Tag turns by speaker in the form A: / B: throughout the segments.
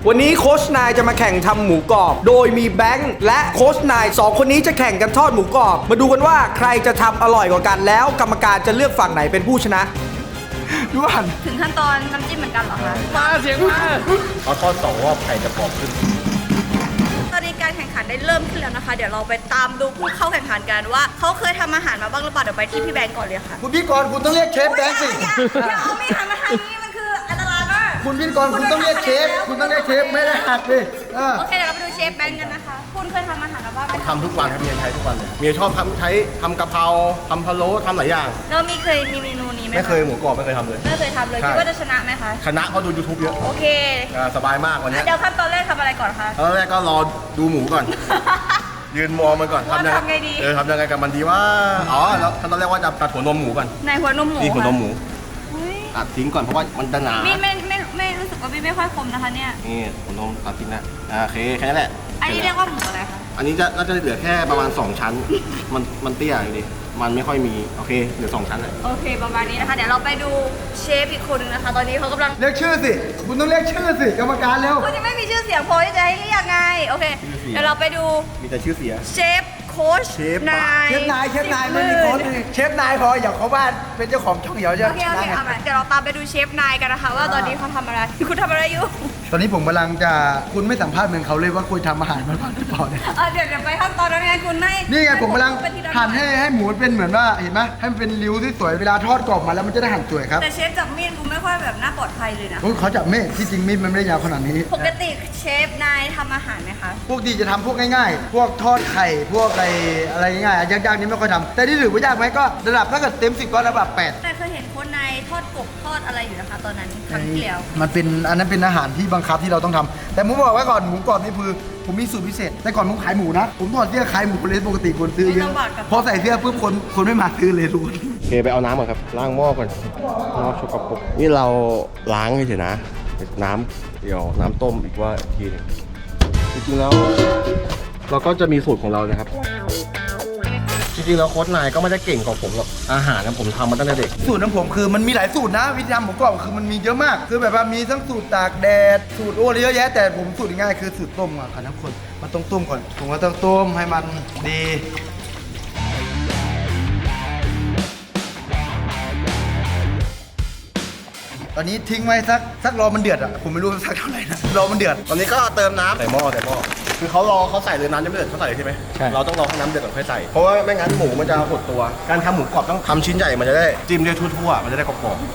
A: วันนี้โค้ชนายจะมาแข่งทำหมูกรอบ โดยมีแบงค์และโค้ชนาย2คนนี้จะแข่งกันทอดหมูกรอบ มาดูกันว่าใครจะทำอร่อยกว่ากันแล้วกรรมการจะเลือกฝั่งไหนเป็นผู้ชนะดูหัน
B: ถึงขั้นตอนน้ำจิ้มเหมือนกันเหรอคะ
A: มาเสียงมา
C: เอาทอด2 รอบไข่จะกรอบขึ้น
B: ตอนนี้การแข่งขันได้เริ่มขึ้นแล้วนะคะ เดี๋ยวเราไปตามดูผู้เข้าแข่งขันกันว่าเขาเคยทำอาหารมาบ้างหรือเปล่าเดี๋ยวไปที่พี่แบงก์ก่อนเลยค่ะ
D: คุณพิธีกรคุณต้องเรียกเชฟแบงค์สิ
B: อย่าเอามีดหันมาทางนี้มันคืออันตรายมาก
D: คุณพิธีกรคุณต้องเรียกเชฟ คุณต้องเรียกเชฟไม่ได้หักดิ
B: โอเคเดี๋ยวเราไปดูเชฟแบงก์กันนะคะ คุณเคยทำอาหารมาบ้างไหมคะ
C: ทำทุกวันครับเมียใช้ทุกวันเลยเมียชอบทำกะเพราทำพะโล้ทำหลายอย่าง
B: เราเคยมีเมนูนี้ไหมะ
C: ไม่เคยหมูกรอบไม่เคยทำเลย
B: ไม่เคยทำเลย
C: ใช่
B: คิดว่าจะชนะไหมคะ
C: ชนะเพราะดู YouTube เยอะ
B: โอเค
C: สบายมากวันนี้
B: เดี๋ยวขั้นตอนแรกทำอะไรก่อนคะ
C: ตอนแรกก็รอดูหมูก่อน ยืนมองมันก่อน
B: ว่าทำไงดี
C: ทำยังไงกับมันดีว่าอ๋อแล้วขั้นตอนแรกว่าจะตัดหัวนมหมูก่อน
B: ในหัวนมหมู
C: นี่หัวนมหมู
B: อุ๊ย
C: ตัดทิ้งก่อนเพราะว่ามันจะหนา
B: ไม่รู้สึกว่าไม่ค่อยคมนะคะเนี่ย
C: นี่หัวนมตัดทิ้งนะโอเคแค่นั้นแหละ
B: อันนี้เรียกว่าหมูอะไรคะ
C: อันนี้น่าจะเหลือแค่ประมาณ2 ชั้นมันเตี้ยอยู่ดิมันไม่ค่อยมีโอเคเหลือ2 ชั้นเลย
B: โอเคประมาณนี้นะคะ เดี๋ยวเราไปดูเชฟอีกคนนึงนะคะ ตอนนี้เขากำลัง
D: เรียกชื่อสิ คุณต้องเรียกชื่อสิกรรมการเร็ว
B: คุณยังไม่มีชื่อเสียงพอที่จะให้เรียกไง โอเค เดี๋ยวเราไปดู
C: มีแต่ชื่อเสีย
B: เชฟโค้ช
C: เชฟ
B: นาย
D: เชฟนายไม่มีโค้ชเชฟนายพออย่าเขาบ้านเป็นเจ้าของช่องเหี่ยวจะ
B: โอเคเอาใหม่เดี๋ยวเราตามไปดูเชฟนายกันนะคะ ว่าตอนนี้เขาทำอะไร คุณทำอะไรอยู่
D: ตอนนี้ผมกำลังจะคุณไม่สัมภาษณ์เหมือนเขาเลยว่าคุณทำอาหารมาบ้างหรือเปล่าเนี่ย
B: เดี๋ยวไปขั้นตอนนั้นไงคุณให้
D: นี่ไงผมกำลัง
B: เป็นทีละ
D: หั่นให้หมูเป็นเหมือนว่าเห็นไหมให้มันเป็นริ้วที่สวยเวลาทอดกรอบมาแล้วมันจะได้หั่นสวยครับ
B: แต่เชฟจับมีดกูไม่ค่อยแบบน่าปลอดภัยเลยนะ
D: โอ้ยเขาจับมีดที่จริงมีดมันไม่ได้ยาวขนาดนี้
B: ปกติเชฟนายทำอาหารไหมคะ
D: พวกดีจะทำพวกง่ายๆ พวกทอดไข่ พวกอะไรง่ายๆยากๆนี่ไม่ค่อยทำแต่ที่ถือว่ายากไหมก็ระดับถ้าเกิดเต็ม10ก็ระดับ8
B: แต่เคยเห็นคนนายทอดกบทอดอะไรอยู่นะคะ ตอนนั้นครั้งที่แล้ว
D: มันเป็นอันนั้นเป็นอาหารที่บังคับที่เราต้องทำแต่ผมบอกไว้ก่อนหมูกรอบนี่คือผมมีสูตรพิเศษแต่ก่อนผมขายหมูนะผมถอดเสื้อขายหมูเลยปกติคนซื้อเย
B: ไม่ต้
D: อะ
B: องบาดกับ
D: พอใส่เสื้อปุ๊บคนไม่มาซื้อเลยทุกคน
C: โอเคไปเอาน้ำก่อนครับล้างหม้อก่อนหม้อชุกกระปุกนี่เราล้างเฉยๆนะน้ำเดี๋ยวน้ำต้มอีกว่าอีกทีหนึงจริงๆแล้วเราก็จะมีสูตรของเรานะครับ จริงๆแล้วโค้ชนายก็ไม่ได้เก่งกว่าผมหรอกอาหารนะผมทำมาตั้งแต่เด็ก
D: สูตรของผมคือมันมีหลายสูตรนะวิธีทำหมูกรอบคือมันมีเยอะมาก คือแบบว่ามีทั้งสูตรตากแดดสูตรโอ้เยอะแยะแต่ผมสูตรง่ายๆคือสูตรต้มอ่ะค่ะทุกคนมันต้องต้มก่อนผมก็ต้องต้มให้มันดีตอนนี้ทิ้งไว้สักรอมันเดือดอ่ะผมไม่รู้สักเท่าไหร่นะรอมันเดือด
C: ตอนนี้ก็เติมน้ำใส่หม้อคือเขาใส่เลยน้ำยังไม่เดือดเขาใส่เลยใช่ไหมใช่เราต้องรอให้น้ำเดือดก่อนค่อยใส่เพราะว่าไม่งั้นหมูมันจะหดตัวการทำหมูกรอบต้องทำชิ้นใหญ่มันจะได้จิ้มได้ทั่วๆมันจะได้กรอบ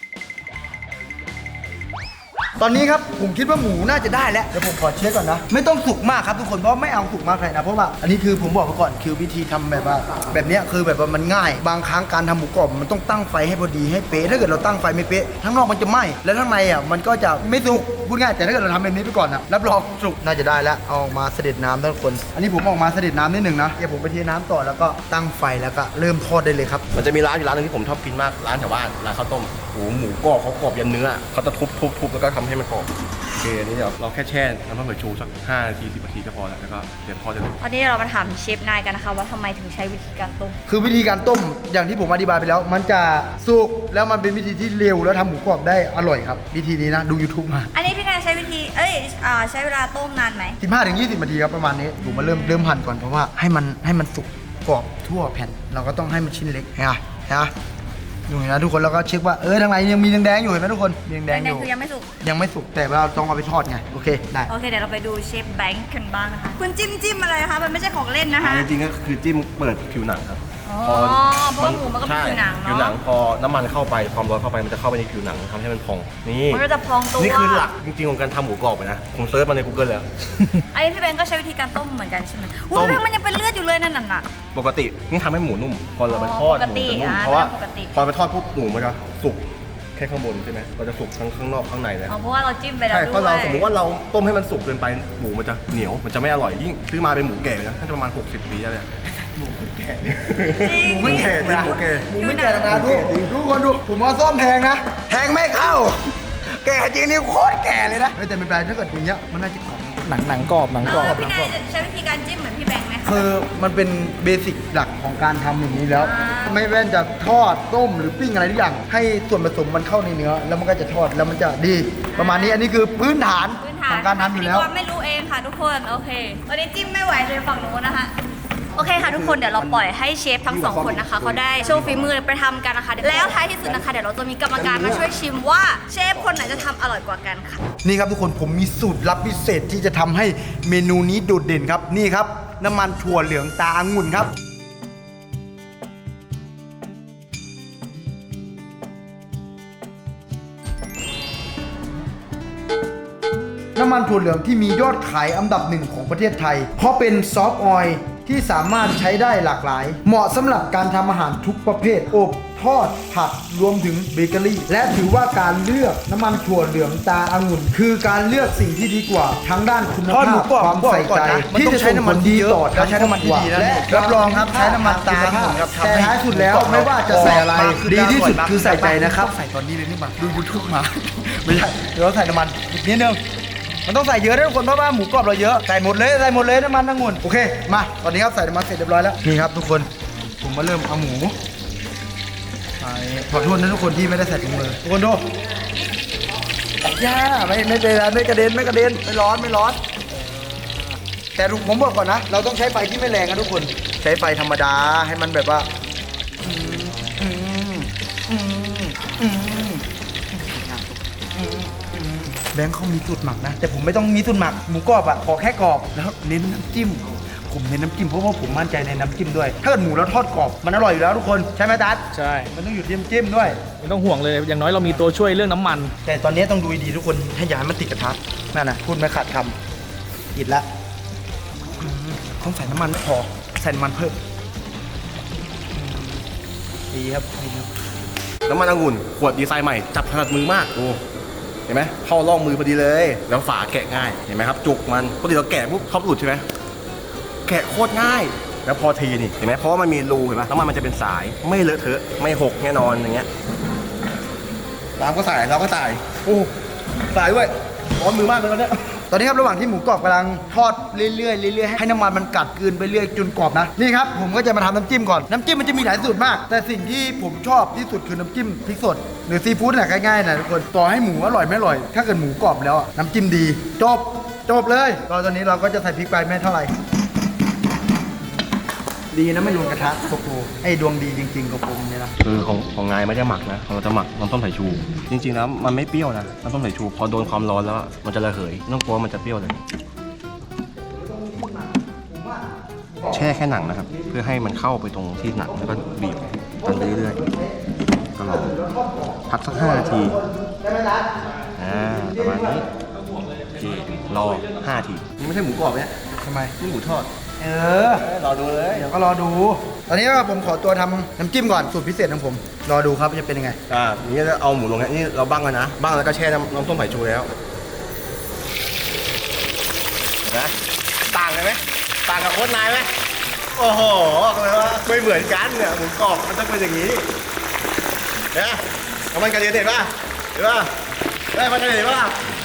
D: ตอนนี้ครับผมคิดว่าหมูน่าจะได้แล้วเดี๋ยวผมขอเช็คก่อนนะไม่ต้องสุกมากครับทุกคนเพราะไม่เอาสุกมากเลยนะเพราะว่าอันนี้คือผมบอกไปก่อนคือวิธีทำแบบว่าแบบเนี้ยคือแบบว่ามันง่ายบางครั้งการทำหมูกรอบมันต้องตั้งไฟให้พอดีให้เป๊ะถ้าเกิดเราตั้งไฟไม่เป๊ะทั้งนอกมันจะไหม้แล้วข้างในอ่ะมันก็จะไม่สุกพูดง่ายแต่ถ้าเกิดเราทำแบบนี้ไปก่อนอ่ะรับรองสุกน่าจะได้แล้วเอามาเสด็จน้ำทุกคน อันนี้ผมออกมาเสด็จน้ำนิดหนึ่งนะเดี๋ยวผมไปเทน้ำต่อแล้วก็ตั้งไฟแล้วก็เริ่มทอดได้เลยครับ
C: ๆมันจะมีร้านอยู่ร้านนึงที่ผมชอบกินมากร้านแถวบ้านร้านข้าวต้มหมูกรอบเขากรอบยันเนื้อเขาจะทุบแล้วก็ทำให้มันกรอบโอเคอันนี้เดี๋ยวเราแค่แช่น้ำมันหอยชูสัก5 นาที 10 นาทีก็พอแล้วก็เดี๋ยวพอจะ
B: ตอนนี้เรามาถามเชฟนายกันนะคะว่าทำไมถึงใช้วิธีการต้ม
D: คือวิธีการต้มอย่างที่ผมอธิบายไปแล้ว มันจะสุกแล้วมันเป็นวิธีที่เร็วแล้วทำหมูกรอบได้อร่อยครับวิธีนี้นะดู YouTube มา
B: อันนี้พี่นายใช้วิธีใช้เวลาต้มนานไหม
D: 15-20 นาทีครับประมาณนี้ผมมาเริ่มหั่นก่อนเพราะว่าให้มันสุกกรอบทั่วแผ่น เราก็ต้องให้มันชิ้นเล็กเห็นไหมดูนะทุกคนแล้วก็เช็คว่าทางในยังมีแดงๆอยู่เห็นไหมทุกคนมีแดงๆอยู่
B: คือยังไม่สุก
D: ยังไม่สุกแต่เราต้องเอาไปทอดไงโอเคได้
B: โอเคเดี๋ยวเราไปดูเชฟแบงค์กันบ้างนะคะคุณจิ้มอะไรคะมันไม่ใช่ของเล่นนะคะ
C: จริงๆก็คือจิ้มเปิดผิวหนังครับ
B: อ๋อเพราะว่าหมูมันก็เป็นผิวหนังเนอะ
C: ผิวหนังพอน้ำมันเข้าไปความร้อนเข้าไปมันจะเข้าไปในผิวหนังทำให้มันพองนี่
B: มันก็จะพองตัว
C: นี่คือหลักจริงๆของการทำหมูกรอบเลยนะผมเซิร์ชมาใน Google แล้ว
B: อันนี้พี่แบงค์ก็ใช้วิธีการต้มเหมือนกันใช่ไหม
C: ต้
B: อุ้
C: ม
B: ยมันยังเป็นเลือดอยู่เลยนั่นน่ะ
C: ปกตินี่ทำให้หมูนุ่มพอเราไปทอด
B: ปก
C: หมู
B: ติ
C: จะนุ่ม
B: อ่ะ
C: เพราะว่า
B: ปกติ
C: พอไปทอดปุ๊บหมูมันจะสุกแค่ข้างบนใช่ไหมเราจะสุกทั้งข้างนอกข้างในเลย
B: อ๋อเพราะว่าเราจิ้มไปแล้ว
C: ใช่
B: ด้วย
C: เพราะเราสมมติว่าเราต้มให้มันสุกเกินไปหมูมันจะเหนียวมันจะไม่อร่อยยิ่งซื้อมาเป็นหมูแก่นะน่าจะประมาณ60 ปีแล้วเนี่ยหมูแก่
B: จริง
C: หมูไม่แก่เป็นหมูแก่
D: หมูไม่แก่นะดูคนดูผมว่าซ่อมแพงนะแพงไม่เข้า แก่จริงนี่โคตรแก่เลยนะแต่ไม่เป็นไรถ้าเกิดอย่างเงี้ยมันน่าจะกรอบหนังกรอบ
B: พี่นายจะใช้วิธีการจิ้มเหมือนพี่แบงค์ไหมคะ
D: คือมันเป็นเบสิกหลักของการทำอย่างนี้แล้ว ไม่แว่นจะทอดต้มหรือปิ้งอะไรทุกอย่าง ให้ส่วนผสมมันเข้าในเนื้อ แล้วมันก็จะทอดแล้วมันจะดี ประมาณนี้อันนี้คือพื้นฐาน
B: พื้นฐค่ะ
D: ทำการทำอยู่แล้ว
B: พิธีกรไม่รู้เองค่ะทุกคนโอเคตอนนี้จิ้มไม่ไหวเลยฝั่งนู้นนะคะโอเคค่ะทุกคนเดี๋ยวเราปล่อยให้เชฟทั้งสองคนนะคะเขาได้โชว์ฝีมือไปทำกันนะคะแล้วท้ายที่สุดนะคะเดี๋ยวเราจะมีกรรมการมาช่วยชิมว่าเชฟคนไหนจะทำอร่อยกว่ากันค่ะ
D: นี่ครับทุกคนผมมีสูตรลับพิเศษที่จะทำให้เมนูนี้โดดเด่นครับนี่ครับน้ำมันถั่วเหลืองตาองุ่นครับน้ำมันถั่วเหลืองที่มียอดขายอันดับหนึ่งของประเทศไทย เพราะเป็นซอฟต์ออยล์ที่สามารถใช้ได้หลากหลาย เหมาะสำหรับการทำอาหารทุกประเภทอบทอดผัดรวมถึงเบเกอรี่และถือว่าการเลือกน้ำมันถั่วเหลืองตาองุ่นคือการเลือกสิ่งที่ดีกว่าทั้งด้านคุณ
A: ทอด
D: ภา
A: หมู
D: พ
A: กรอบ
D: ความใส่ใจ
A: มัน
D: ที่
A: ต้อง
D: จะ
A: ใช้
D: ส่ง
A: น้ำ
D: ผ
A: มัน
D: ลดี
A: เยอะ
D: ต่อ
A: แล้วใช้น้ำมันที่ดีนะ
D: และ
A: รับรองครับใช้น้ำมันตาองุ่นครับทำ
D: แต่
A: ให้
D: ท้ายสุดแล้วไม่ว่าจะใส่อะไรดีที่สุดคือใส่ใจนะครับ
A: ใส่ตอนนี้เลยนี่มาดูยูทูบมา ไม่ใช่เดี๋ยวเราใส่น้ำมันอีกนิดนึงมันต้องใส่เยอะนะทุกคนเพราะว่าหมูกรอบเราเยอะใส่หมดเลยน้ำมันองุ่นโอเคมาตอนนี้ครับใส่น้ำมันเสร็จเรียบร้อยแล้วนี่ครับทุกคนผมมาเริ่มเอาหมูใส่ขอโทษนะทุกคนที่ไม่ได้ใส่ถุงมือทุกคนดูย่าไม่เป็นไรไม่กระเด็นไม่ร้อนแต่ผมบอกก่อนนะเราต้องใช้ไฟที่ไม่แรงนะทุกคนใช้ไฟธรรมดาให้มันแบบว่าแบงค์เขามีสูตรหมักนะแต่ผมไม่ต้องมีสูตรหมักหมูกรอบอ่ะขอแค่กรอบแล้วเน้นน้ำจิ้มผมเน้นน้ำจิ้มเพราะว่าผมมั่นใจในน้ำจิ้มด้วยถ้าเกิดหมูแล้วทอดกรอบมันอร่อยอยู่แล้วทุกคนใช่ไหมตั๊ด
E: ใช่
D: มันต้องอยู่ที่น้ำจิ้มด้วย
E: ไม่ต้องห่วงเลย อย่างน้อยเรามีตัวช่วยเรื่องน้ำมัน
D: แต่ตอนนี้ต้องดูดีทุกคนให้อย่าให้มันติดกระทะนั่นนะพูดไม่ขาดคำติดละต้องใส่น้ำมันไม่พอใส่น้ำมันเพิ่มดีครับ
C: น้ำมันองุ่นขวดดีไซน์ใหม่จับถนัดมือมากดูเห็นไหมเข้าร่องมือพอดีเลย แล้วฝาแกะง่ายเห็นไหมครับจุกมันปกติเราแกะปุ๊บเขาหลุดใช่ไหมแกะโคตรง่าย แล้วพอทีนี่เห็นไหมเพราะว่ามันมีรูเห็นไหมน้ำมันจะเป็นสายไม่เลอะเทอะไม่หกแน่นอนอย่างเงี้ยเราก็ใส่โอ้ใส่ด้วยร้อนมือมากเลยตอนเนี้ย
D: ตอนนี้ครับระหว่างที่หมูกรอบกำลังทอดเรื่อยๆให้น้ำมันมันกัดกลืนไปเรื่อยจนกรอบนะนี่ครับผมก็จะมาทำน้ำจิ้มก่อนน้ำจิ้มมันจะมีหลายสูตรมาก แต่สิ่งที่ผมชอบที่สุดคือน้ำจิ้มพริกสดหรือซีฟู้ดน่ะง่ายๆนะทุกคนต่อให้หมูอร่อยไม่อร่อย ถ้าเกิดหมูกรอบแล้วอะน้ำจิ้มดีจบเลยตอนนี้เราก็จะใส่พริกไปไม่เท่าไหร่ดีนะไม่โดนกระทะโกโก้ไอ้ดวงดีจริงๆกับผมเนี่ยนะ
C: คือของนายไม่ได้หมักนะเราจะหมักน้ำส้มสายชู จริงๆแล้วมันไม่เปรี้ยวนะน้ำส้มสายชูพอโดนความร้อนแล้วมันจะระเหยไม่ต้องกลัวมันจะเปรี้ยวเลยแช่แค่หนังนะครับ เพื่อให้มันเข้าไปตรงที่หนังแล้วก็บีบตันไปเรื่อยๆก็รอพักสัก5 นาทีประมาณนี้โอเครอ5 นาทีนี่ไม่ใช่หมูกรอบเนี่ย
D: ทำไม
C: นี่หมูทอด
D: รอดูเลยเดี๋ยวก็รอดู ตอนนี้ก็ผมขอตัวทำน้ำจิ้มก่อนสูตรพิเศษของผมรอดูครับจะเป็นยังไง
C: นี่จะเอาหมูลงเนี่ยนี่เราบ้างแล้วนะบ้างแล้วก็แช่น้ำส้มสายชูแล้วนะต่างกันไหมต่างกับโค้ชนายไหมโอ้โหเลยว่าไม่เหมือนกันเนี่ยหมูกรอบมันต้องเป็นอย่างนี้เนี่ยเอามันกระเด็นเห็นป่ะได้มันกระเด็นเห็นป่ะ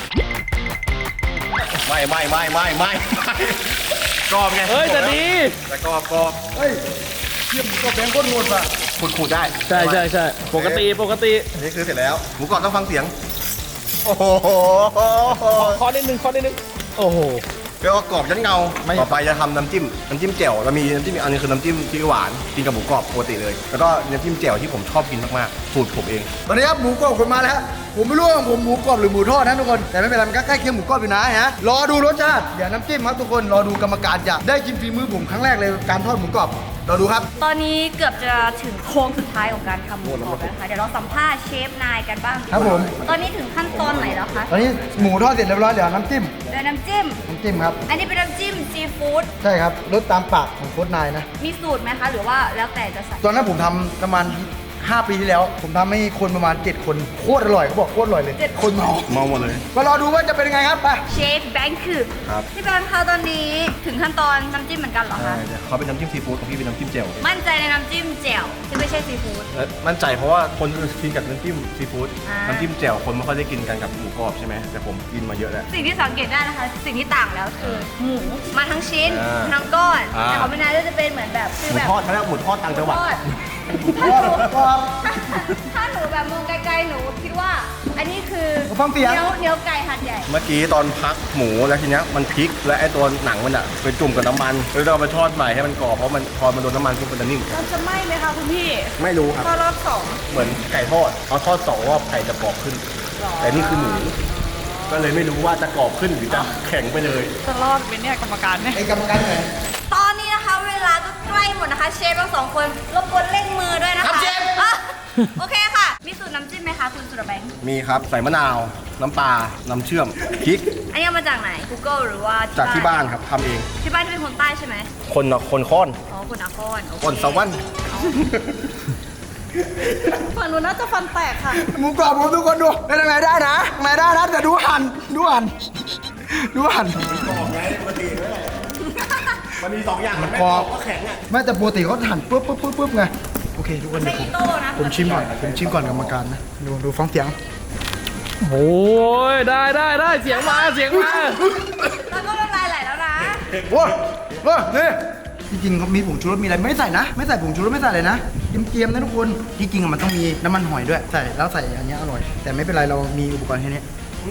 C: ไม่กรอบไง
E: เฮ้ยแต่ดี
C: แต่กรอบ
D: เฮ้ยเทียมก็แบงค์ก้นหมดว่ะ
C: ขูดได้
E: ใช่ปกติ
C: อันนี้คือเสร็จแล้วหมูกรอบต้องฟังเสียงโอ้โห
E: ข้อนิดนึงโอ้โห
C: เรียกว่ากรอบยันเงาต่อไปจะทำน้ำจิ้มแจ่วเรามีน้ำจิ้มอีกอันนึงคือน้ำจิ้มพริกหวานกินกับหมูกรอบปกติเลย แล้วก็น้ำจิ้มแจ่วที่ผมชอบกินมากๆสูตรผมเอง
D: ตอนนี้ครับหมูกรอบผมมาแล้วผมไม่รู้ว่าผมหมูกรอบหรือหมูทอดนะทุกคนแต่ไม่เป็นไรมันก็ใกล้เคียงหมูกรอบอยู่นะฮะรอดูรสชาติเดี๋ยวน้ำจิ้มครับทุกคนรอดูกรรมการจะได้ชิมฝีมือผมครั้งแรกเลยการทอดหมูกรอบรอดูครับ
B: ตอนนี้เกือบจะถึงโค้งสุดท้ายของการทำหมูกรอบแล้วนะคะเดี๋ยวเราสัมภาษณ์เชฟนายกันบ้างดีกว่า
D: ครับผม
B: ตอนนี้ถึงขั้นตอนไหนแล้วคะ
D: ตอนนี้หมูทอดเสร็จเรียบร้อยเดี๋ยวน้ำจิ้ม
B: เดี๋ยวน้ำจิ้ม
D: ครับ
B: อันนี้เป็นน้ำจิ้มซีฟู้ด
D: ใช่ครับรสตามปากของโค้ชนายนะ
B: มีสูตรไหมคะหรือว่าแล้วแต่จะใส่
D: ตอนนั้นผมทำประมาณ5 ปีที่แล้ว ผมทำให้คนประมาณ7 คนโคตรอร่อยเขาบอกโคตรอร่อยเลยคนเมา
C: มองหมดเลย
D: มารอดูว่าจะเป็นยังไงครับไป
B: เชฟแบงค์คือ
C: ครับ
B: พี่แบงค์คะตอนนี้ถึงขั้นตอนน้ำจิ้มเหมือนกันเหรอคะ
C: เขาเป็นน้ำจิ้มซีฟู้ดของพี่เป็นน้ำจิ้มแจ่ว
B: มั่นใจในน้ำจิ้มแจ่วที่ไม่ใช่ซีฟู้ด
C: และมั่นใจเพราะว่าคนอื่นกินกับน้ำจิ้มซีฟู้ด
B: อ่า
C: น้ำจิ้มแจ่วคนไม่ค่อยได้กินกันกับหมูกรอบใช่ไหมแต่ผมกินมาเยอะแล้ว
B: สิ่งที่สังเกตได้นะคะ สิ่งที่ต่างแล้วคือหมูมาทั้งชิ้น
C: อ่า
B: ทั้งก้อน
C: อ่า
B: แต่ของพี่นายก็จะเป็นเหมือนแบบ
C: หมูทอดเขาเรียกหมูทอดต่างจังหวัด
B: ทอดถ้าหนูแบบมองไกลๆหนูคิดว่า อันนี้คือ
D: ฟังเสียง
B: เนื้อไก่หัดใหญ่
C: เมื่อกี้ตอนพักหมูแล้วทีเนี้ยมันพลิกและไอ้ตัวหนังมันอะไปจุ่มกับน้ำมันแล้วเราไปทอดใหม่ให้มันกรอบเพราะมันพอมันโดนน้ำมันปุ๊บมันจะนิ่ม
B: เราจะไหม้ไหมคะคุณพี่
C: ไม่รู้ครับ
B: พอรอบสอง
C: เหมือนไก่ทอดเขาทอด2 รอบไก่จะกรอบขึ้น แต่นี่คือหมูก็เลยไม่รู้ว่าจะกรอบขึ้นหรือจะแข็งไปเลย
F: จะรอดไหมเนี่ยกรรมการเนี่ย
D: ไอ้กรรมการไหน
B: ตอนนี้นะคะเวลาก็ใกล้หมดนะคะ เชฟทั้งสองคนรบกวนเร่งมือด้วยนะคะอ่ะโอเคค่ะ มีสูตรน้ำจิ้มไหมคะคุณสุรแบงค์
C: มีครับใส่มะนาว น้ำปลา น้ำเชื่อมพริก
B: อันนี้เอามาจากไหน Google หรือว่า
C: จากที่บ้านครับทำเอง
B: ที่บ้านที่เป็นคนใต้ใช่ไหม
C: คนค้อน
B: อ๋อคุณอาคอนโอเค
C: คนสวรรค์
F: ฝั่งนู้นน่าจะฟันแตกค่ะ
D: หมูกรอบผมทุกคนดูเป็นยังไงได้นะไงได้นะแต่ดูหั่นดูหั่น
C: มันมี2 อย่างมันไม่
D: กร
C: กร
D: อ
C: อ
D: บบ
C: ก็แข็งอ่ะ
D: ไม่แต่ปกติเขาหั่นปุ๊บไงโอเคทุกคน
B: ไม่
D: เดี๋ยว
B: อีโต้นะ
D: ผมชิมก่อนกรรมการนะดูฟังเสียง
E: โอ้ยได้เสียงมา
B: แล้วก็น้ำลายไหลแล้วนะ
D: โอ้ยนี่จริงๆเขามีผงชูรสมีอะไรไม่ใส่นะ ไม่ใส่ผงชูรสไม่ใส่เลยนะเกียมๆนะทุกคนที่จริงอะมันต้องมีน้ำมันหอยด้วยใส่แล้วใส่อันเนี้ยอร่อย แต่ไม่เป็นไรเรามีอุปกรณ์แค่นี้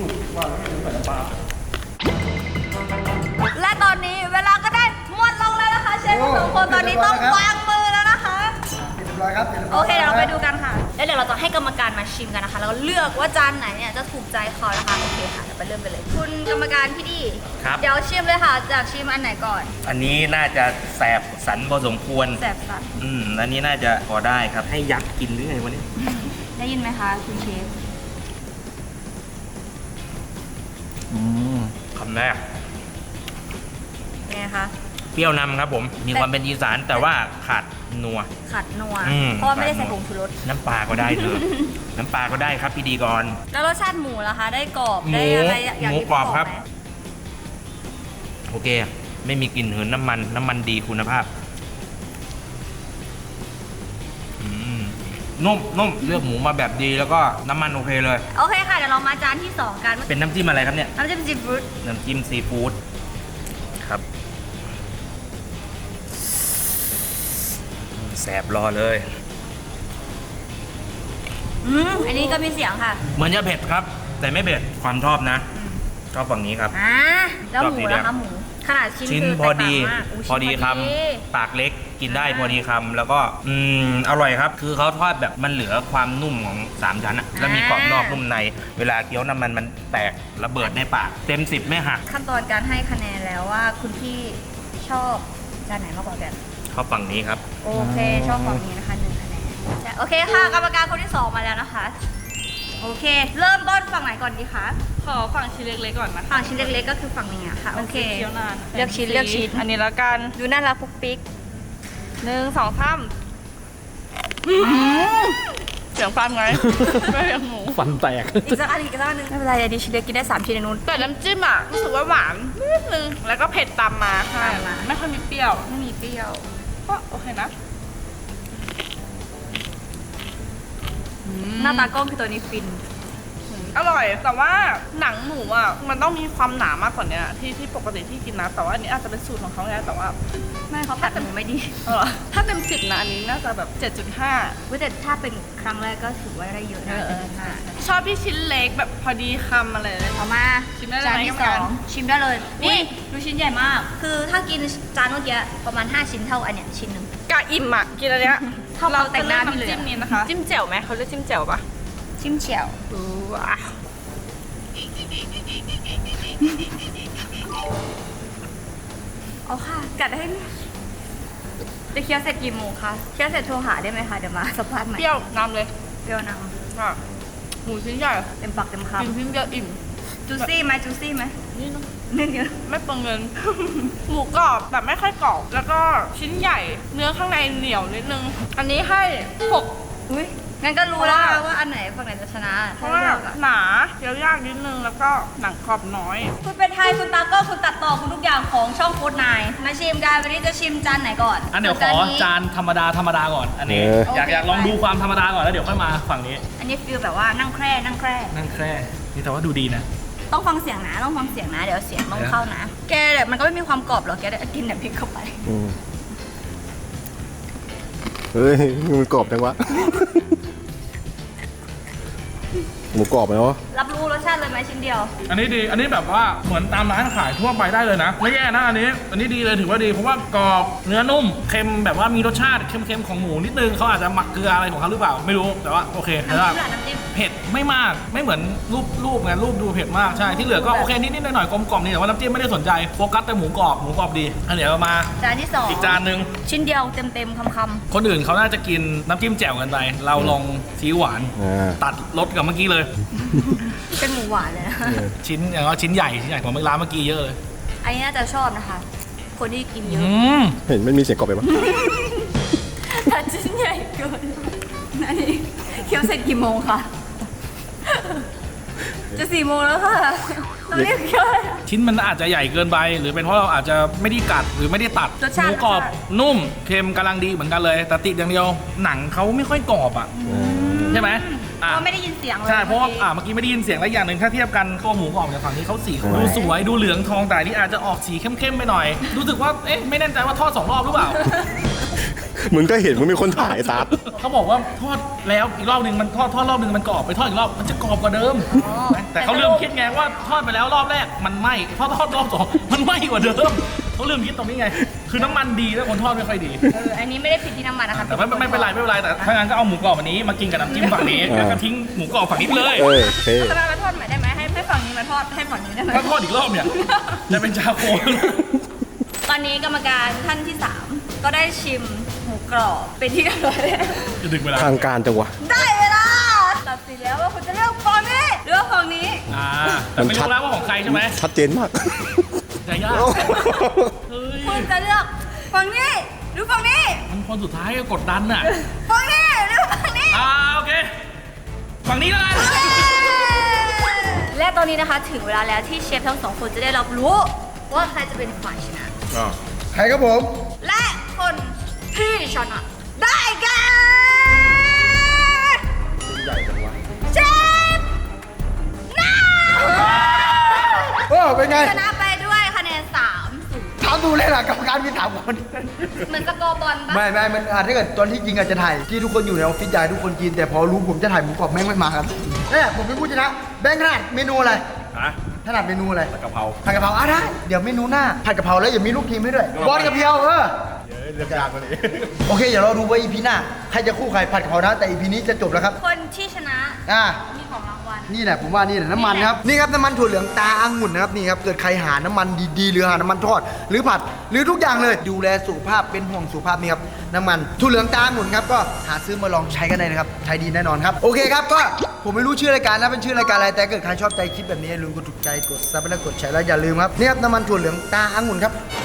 B: และตอนนี้เวลาก็ได้หมดลงแล้วนะคะ เชฟทั้งสองคนตอนนี้ต้องวางมือแล้วนะคะ
D: เรียบร้อยครับ
B: โอเคเดี๋ยวเราไปดูกันค่ะ แล้วเดี๋ยวเราจะให้กรรมการมาชิมกันนะคะ แล้วก็เลือกว่าจานไหนเนี่ยจะถูกใจเขานะคะ โอเคค่ะ เดี๋ยวไปเริ่มกันเลย คุณกรรมการพี่ดี
G: ครับ
B: เดี๋ยวชิมเลยค่ะ จากชิมอันไหนก่อน
G: อันนี้น่าจะแสบสันพอสมควร
B: แสบสัน
G: อันนี้น่าจะพอได้ครับ ให้ยักษ์กินหรือไงวะเนี่ย
B: ได้ยินไหมคะคุณเชฟ
G: คำแรก
B: เป็นไงคะ
G: เปรี้ยวนำครับผม มีความเป็นอีสานแต่ว่าขาดนัว
B: ขัดนัว
G: อืม
B: เพราะว่าไม่ได้ใส่ผงชูรส
G: น้ำปลาก็ได้เถอะ น้ำปลาก็ได้ครับพี่ดีก่อน
B: แล้วรสชาติหมูล่ะคะ ได้กรอบ
G: หมู
B: ได้อะไรอย่าง
G: หมู
B: ที่
G: กรอบ
B: พี่
G: ครับ
B: ไหม
G: โอเค ไม่มีกลิ่นหืนน้ำมันดีคุณภาพนุ่มเลือกหมูมาแบบดีแล้วก็น้ำมันโอเคเลย
B: โอเคค่ะ เดี๋ยวเรามาจานที่สองกัน
G: เป็นน้ำจิ้มอะไรครับเนี่ย
B: น้ำจิ้มซีฟู้ด
G: น้ำจิ้มซีฟู้ดครับแสบรอเลย
B: อันนี้ก็มีเสียงค่ะ
G: เหมือนจะเผ็ดครับ แต่ไม่เผ็ดความชอบนะ ชอบฝั่งนี้ครับ
B: แล้วหมู
G: ชอบสีแดง
B: นะคะหมู ขนาดชิ้น
G: ชิ้น
B: คือ
G: พอดี
B: แตกต่างมากย
G: พอดี
B: ชิ้น
G: คำปากเล็กกินได้พอดีคำแล้วก็อร่อยครับ คือเขาทอดแบบมันเหลือความนุ่มของ3 ชั้นอะแล้วมีกรอบนอกนุ่มใน เวลาเคี้ยวน้ำมันแตกระเบิดในปาก เต็ม 10ไม่หัก
B: ขั้นตอนการให้คะแนนแล้วว่าคุณพี่ชอบจานไหนมากกว่ากัน
G: ชอบฝั่งนี้ครับ
B: โอเค ชอบฝั่งนี้นะคะ1 คะแนนโอเคค่ะ กรรมการคนที่ 2 มาแล้วนะคะ โอเค เริ่มต้นฝั่งไหนก่อนดีคะ
F: ขอฝั่งชิ้นเล็กๆก่อนนะคะ
B: ฝั่งชิ้นเล็กๆก็คือฝั่งนี้อะค่ะ โอเค
F: เคี้ยวนาน
B: เลือกชิ้นเลือกชิ้น
F: อันนี้แล้วกัน
B: ดูน่ารักปุ๊กปิ๊ก
F: 1 2 3เสียงฟันไง ไม่เสียงหมู
E: ฟันแตก
B: อีกสักอันอีกสักอันหนึงไม่เป็นไรเดี๋ยวชิ้นเล็กกินได้3 ชิ้นในนู้น
F: แต่น้ำจิ้มอ่ะรู้สึกว่าหวานนิดนึง แล้วก็เผ็ดตามมาค่ะ
B: ตามมา
F: ไม่ค่อยมีเปรี้ยว
B: ไม่มีเปรี้ยว
F: ก็โอเคนะ
B: หน้าตากล้องคือตัวนี้ฟิน
F: อร่อย แต่ว่าหนังหมูอ่ะมันต้องมีความหนามากกว่านี้ที่ปกติที่กินนะ แต่ว่าอันนี้อาจจะเป็นสูตรของเขาไงแต่ว่า
B: ไม่เขาผัดหมูไม่ดี
F: เออถ้าเต็ม10นะอันนี้น่าจะแบบ 7.5
B: เว้ยแต่ถ้าเป็นครั้งแรกก็ถือว่าได้เยอะนะ7.5
F: ชอบที่ชิ้นเล็กแบบพอดีคำอะไรเลย
B: เอามา
F: ชิมได้เลย
B: จานที่
F: ไหมกรรมการ
B: 2ชิมได้เลย
F: นี่
B: นี่ดูชิ้นใหญ่มาก คือถ้ากินจานเมื่อกี้ประมาณ5 ชิ้นเท่าอันเนี้ยชิ้นหนึ่ง
F: กะอิ่มอ่ะกินอันเนี้ย
B: เท่าเราแต่งหน้าพี่
F: จะ
B: เลย
F: เลือกน้ำจิ้มนี้นะคะ จิ้มแจ่วไหมเขาเรียกจิ้มแจ่วปะ
B: จิ้มเฉียว
F: ว้าว
B: เอาค่ะ กัดให้จะเคี้ยวเสร็จกี่โมงคะเคี้ยวเสร็จโทรหาได้ไหมคะเดี๋ยวมาสัมภาษณ์ใหม่
F: เปรี้ยวนำเลย
B: เปรี้ยวน้
F: ค่ะหมูชิ้นใหญ่
B: ำเต็มปากเต็มค
F: กินชิ้นเดียวอิ่ม
B: ำจูซี่ไหมจูซี่ไหม
F: นี่นะ
B: นึ่งเยอะ
F: ไม่เปลืองเงิน หมูกรอบแบบไม่ค่อยกรอบ แล้วก็ชิ้นใหญ่ เนื้อข้างในเหนียวนิดนึง อันนี้ให้6
B: อุ้ยงั้นก็รู้แล้วนะว่าอันไหนฝั่งไหนจะชนะ
F: เพราะว่าหนาเคี้ยวยากนิดนึง แล้วก็หนังกรอบน้อย
B: คุณเป็นไทยคุณตากล้องคุณตัดต่อคุณทุกอย่างของช่องโค้ดนายมาชิมกันวันนี้จะชิมจานไหนก่อน
E: อันเดี๋ยวขอจานธรรมดาก่อน อันนี้ อยากลองดูความธรรมดาก่อนแล้วเดี๋ยวค่อยมาฝั่งนี้
B: อันนี้ฟีลแบบว่านั่งแคร่นั่งแคร่
E: นั่งแคร่นี่แต่ว่าดูดีนะ
B: ต้องฟังเสียงนะต้องฟังเสียงนะเดี๋ยวเสียงต้องเข้านะ แกแบบมันก็ไม่มีความกรอบหรอกแกได้กินแบบพริกเข้าไป
C: เฮ้ยมันกรอบจังวะหมูกรอบเนาะ
B: รับรู้รสชาติเลยไหมชิ้นเดียว
E: อันนี้ดี อันนี้แบบว่าเหมือนตามร้านขายทั่วไปได้เลยนะ ไม่แย่นะอันนี้ดีเลยถือว่าดี เพราะว่ากรอบเนื้อนุ่ม เค็มแบบว่ามีรสชาติเค็มๆของหมูนิดนึงเขาอาจจะหมักเกลืออะไรของเขาหรือเปล่า ไม่รู้ แต่ว่าโอเค
B: น้ำ
E: แต่
B: จิ้
E: ว่าม
B: ล่ะน้ำจิ้ม
E: เผ็ดไม่มาก ไม่เหมือนรูปไงรูปดูเผ็ดมาก ใช่ ที่เหลือก็โอเคนิดๆหน่อยๆกลมๆนี่แต่ว่าน้ำจิ้มไม่ได้สนใจ โฟกัสแต่หมูกรอบดีอันเดี๋ยวมา
B: จานที่สอง
E: อีกจานหนึ่ง
B: ชิ้นเดียวเต็มๆคำ
E: คนอื่นเขาน่าจะกินน้ำจิ้มแจ่วกันไป เราลองซีอิ๊วหวาน ตัดรสกับเมื่อกี้เลย
B: ๆเป็นหมูหวานเลยนะ
E: ชิ้นอย่างว่าชิ้นใหญ่ของร้านเมื่อกี้เยอะเลย
B: อันนี้น่าจะชอบนะคะ คนที่กินเยอะ
C: เห็นมันมีเสียงกรอบไปปะ
B: แต่ชิ้นใหญ่เกินอันนี้เคี้ยวเสร็จกี่โมงคะจะ4 โมงแล้วค่ะตอนนี้เคี้ยวอะไรอะ
E: ชิ้นมันอาจจะใหญ่เกินไป หรือเป็นเพราะเราอาจจะไม่ได้กัดหรือไม่ได้ตัด
B: รสชาติ
E: หมูกรอบนุ่มเค็มกำลังดีเหมือนกันเลยแต่ติดอย่างเดียวหนังเขาไม่ค่อยกรอบอ่ะใช่ไหม
B: เพราะว่าไม่ได้ยินเสียงเลย
E: ใช่เพราะว่า
B: มื่อกี้
E: เมื่อกี้ไม่ได้ยินเสียงและอย่างหนึ่งถ้าเทียบกันตัวหมูกรอบจากฝั่งนี้เขาสีดูสวยดูเหลืองทองแต่อันนี่อาจจะออกสีเข้มๆไปหน่อย รู้สึกว่าเอ๊ะไม่แน่ใจว่าทอด2 รอบหรือเปล่า
C: มึงก็เห็นมึงมีคนถ่ายซัด
E: เขาบอกว่าทอดแล้วอีกรอบหนึ่งมันทอดรอบหนึ่งมันกรอบไปทอดอีกรอบมันจะกรอบกว่าเดิม แต่เขาลืมคิดไงว่าทอดไปแล้วรอบแรกมันไหม้ทอดรอบ 2มันไหม้กว่าเดิมเขาลืมคิดตรงนี้ไง คือน้ำมันดีแล้วคนทอดไม่ค่อยดี
B: อันนี้ไม่ได้ผิดที่น้ำมันนะคะ
E: แต่ไม่เป็นไรแต่ถ้างั้นก็เอาหมูกรอบอันนี้มากินกับน้ำจิ้มฝั่งนี้แล้วก็ทิ้งหมูกรอบฝั่งนี้ไปเลย
C: โอเค
B: จะมาทอดใหม่ได้ไหมให้ฝั่งนี้มาทอดให้ฝั่งนี้ได้ไหม
E: ถ้าทอดอีกรอบเนี่ยจะเป็นชาโค
B: ตอนนี้กรรมการท่านที่ 3 ก็ได้ชิมหมูกรอบเป็นที่เรียบร้อยแล้ว
E: จะดึงเวลา
C: ทางการจังวะ
B: ได้เวลาตัดสินแล้วว่าคุณจะเลือกฝั่งนี้หรือว่าฝั่งนี้
E: แต่ไม่รู้แล้วว่าของใครใช่ไหม
C: ชัดเจนมาก
E: จะยากเฮ้ย
B: คุณจะเลือกฝั่งนี้หรือฝั่งนี้
E: มันคนสุดท้ายก็กดดันน่ะ
B: ฝั่งนี้หรือฝั่งนี้
E: โอเคฝั่งนี้แล้วกัน
B: และตอนนี้นะคะถึงเวลาแล้วที่เชฟทั้งสองคนจะได้รับรู้ว่าใครจะเป็นฝ่ายชนะ
D: ใครครับผม
B: และคนที่ชนะได้แก่เชฟน้า
D: เป็นไง
B: ชนะไปด้วยคะแนน3-0
D: ถามดูเลยล่ะกรรมการมีถามคน
B: เหมือนสกอร์บอลปะ
D: ไม่มันอาจถ้าเกิดตอนที่จริงอาจจะถ่ายที่ทุกคนอยู่ในออฟฟิศใหญ่ทุกคนกินแต่พอรู้ผมจะถ่ายหมูกรอบแม่งไม่มาครับเนี่ยผมเป็นผู้ชนะแบงค์ถนัดเมนูอะไรถนัดเมนูอะไร
C: กะเพรา
D: ผัดกะเพราได้เดี๋ยวเมนูหน้าผัดกะเพราแล้วอย่ามีลูกทีมให้ด้วยบอลกะเพรา
C: เลือกยากกว่านี้
D: โอเคเดี๋ยวเราดูว่าอีพีหน้าใครจะคู่ใครผัดกะเพรานะแต่อีพีนี้จะจบแล้วครับ
B: คนที่ชนะ มีของรางวัล
D: นี่แหละผมว่านี่แหละน้ำมันครับนี่ครับน้ำมันถั่วเหลืองตาองุ่นนะครับนี่ครับเกิดใครหาน้ำมันดีๆหรือหาน้ำมันทอด หรือผัดหรือทุกอย่างเลยดูแลสุขภาพเป็นห่วงสุขภาพนี่ครับน้ำมันถั่วเหลืองตาองุ่นครับก็หาซื้อมาลองใช้กันได้นะครับใช้ดีแน่นอนครับโอเคครับก็ผมไม่รู้ชื่อรายการนะเป็นชื่อรายการอะไรแต่เกิดใครชอบใจคลิปแบบนี้อย่าลืมกดถูกใจกดซับและกดแชร์แล้วอย่าลืมครับนี่ครับน้ำมันถั่วเหลืองตาองุ่นครับ